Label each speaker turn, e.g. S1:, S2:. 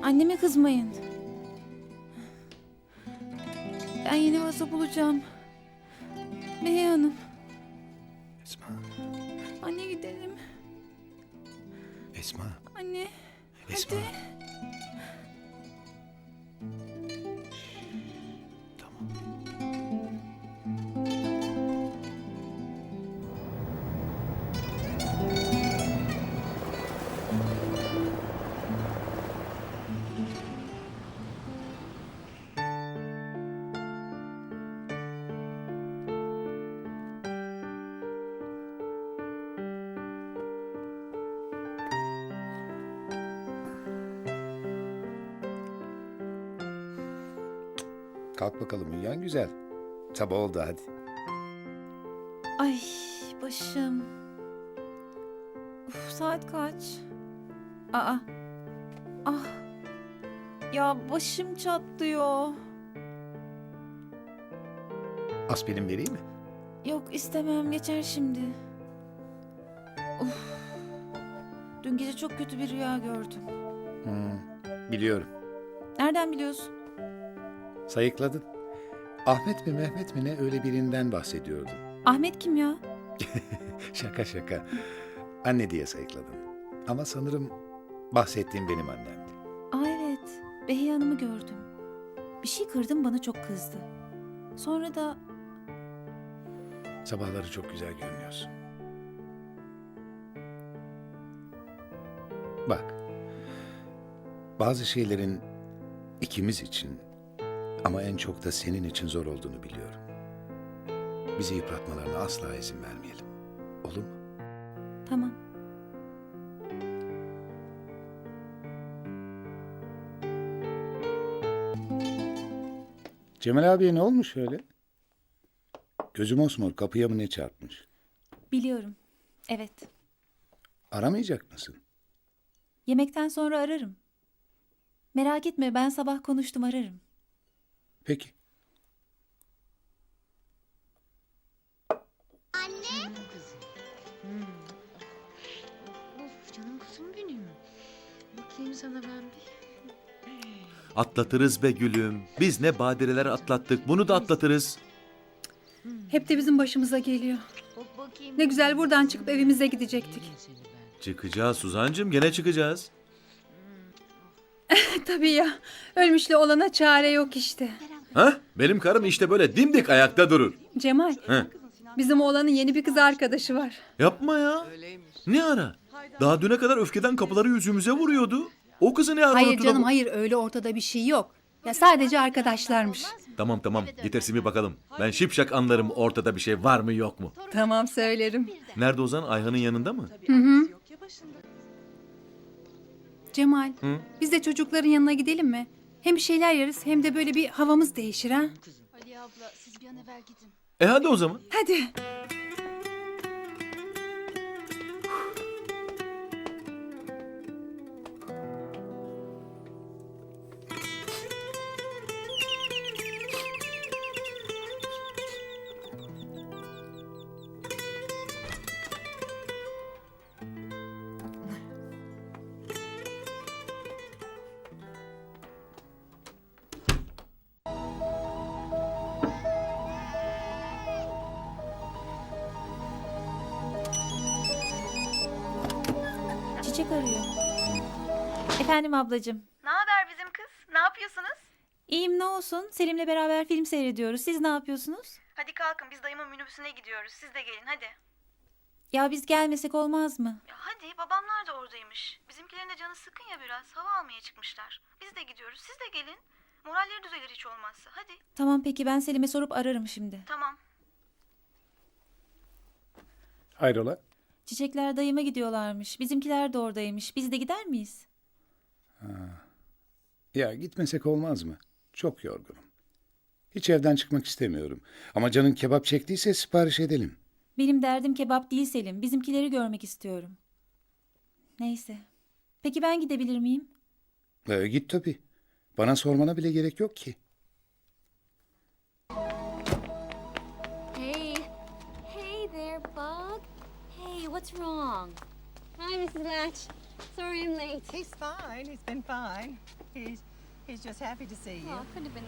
S1: Anneme kızmayın. Ben yeni vazo bulacağım. Behiye Hanım.
S2: Esma,
S1: Anne gidelim.
S2: Esma,
S1: Anne.
S2: Esma.
S1: Hadi.
S2: Tamam. Kalk bakalım uyuyan güzel. Sabah oldu hadi.
S1: Ay başım. Uf, saat kaç? Aa. Ah. Ya başım çatlıyor.
S2: Aspirin vereyim mi?
S1: Yok istemem, geçer şimdi. Of. Dün gece çok kötü bir rüya gördüm.
S2: Biliyorum.
S1: Nereden biliyorsun?
S2: Sayıkladın. Ahmet mi Mehmet mi ne öyle birinden bahsediyordun.
S1: Ahmet kim ya?
S2: Şaka şaka. Anne diye sayıkladım. Ama sanırım bahsettiğim benim annemdi.
S1: Aa evet. Behiye Hanım'ı gördüm. Bir şey kırdım, bana çok kızdı. Sonra da
S2: Sabahları çok güzel görünüyorsun. Bak. Bazı şeylerin ikimiz için ama en çok da senin için zor olduğunu biliyorum. Bizi yıpratmalarına asla izin vermeyelim. Olur mu?
S1: tamam.
S2: Cemal abiye ne olmuş öyle? Gözü mosmor, kapıya mı ne çarpmış?
S1: Biliyorum. Evet.
S2: Aramayacak mısın?
S1: Yemekten sonra ararım. Merak etme, ben sabah konuştum, ararım.
S2: Peki.
S3: Of canım kızım benim. Bakayım sana ben bir.
S4: Atlatırız be gülüm. Biz ne badireler atlattık. Bunu da atlatırız.
S5: Hep de bizim başımıza geliyor.
S3: Hop bakayım.
S5: Ne güzel buradan çıkıp evimize gidecektik.
S4: Çıkacağız Suzancığım. Gene çıkacağız.
S5: Tabii ya. Ölmüşle olana çare yok işte.
S4: Ha? Benim karım işte böyle dimdik ayakta durur.
S5: Cemal,
S4: He.
S5: bizim oğlanın yeni bir kız arkadaşı var.
S4: Yapma ya. Ne ara? Daha düne kadar öfkeden kapıları yüzümüze vuruyordu. O kızı ne ara
S5: Hayır
S4: unuttu da
S5: canım,
S4: bu-
S5: hayır, öyle ortada bir şey yok. Ya sadece arkadaşlarmış.
S4: Tamam. Getirsin bir bakalım. Ben şipşak anlarım ortada bir şey var mı yok mu?
S5: Tamam, söylerim.
S4: Nerede Ozan? Ayhan'ın yanında mı?
S5: Cemal,
S4: Hı?
S5: biz de çocukların yanına gidelim mi? Hem bir şeyler yeriz hem de böyle bir havamız değişir ha.
S3: Ali abla siz bir an evvel gidin.
S4: Hadi o zaman.
S5: Hadi.
S1: Çiçek arıyor. Efendim ablacığım.
S6: Ne haber bizim kız? Ne yapıyorsunuz?
S1: İyiyim, ne olsun? Selim'le beraber film seyrediyoruz. Siz ne yapıyorsunuz?
S6: Hadi kalkın biz dayımın minibüsüne gidiyoruz. Siz de gelin hadi.
S1: Ya biz gelmesek olmaz mı?
S6: Ya hadi babamlar da oradaymış. Bizimkilerin de canı sıkın ya biraz. Hava almaya çıkmışlar. Biz de gidiyoruz. Siz de gelin. Moralleri düzelir hiç olmazsa. Hadi.
S1: Tamam peki, ben Selim'e sorup ararım şimdi.
S6: Tamam.
S2: Hayrola?
S1: Çiçekler dayıma gidiyorlarmış. Bizimkiler de oradaymış. Biz de gider miyiz?
S2: Ya gitmesek olmaz mı? Çok yorgunum. Hiç evden çıkmak istemiyorum. Ama canın kebap çektiyse sipariş edelim.
S1: Benim derdim kebap değil Selim. Bizimkileri görmek istiyorum. Neyse. Peki ben gidebilir miyim?
S2: Git tabii. Bana sormana bile gerek yok ki.
S3: Hey. Hey there, Bug. Hey, what's wrong? I'm
S7: Mrs. Latch. Sorry I'm late.
S8: He's fine. He's been fine. He's just happy to see you.
S7: Oh, could have been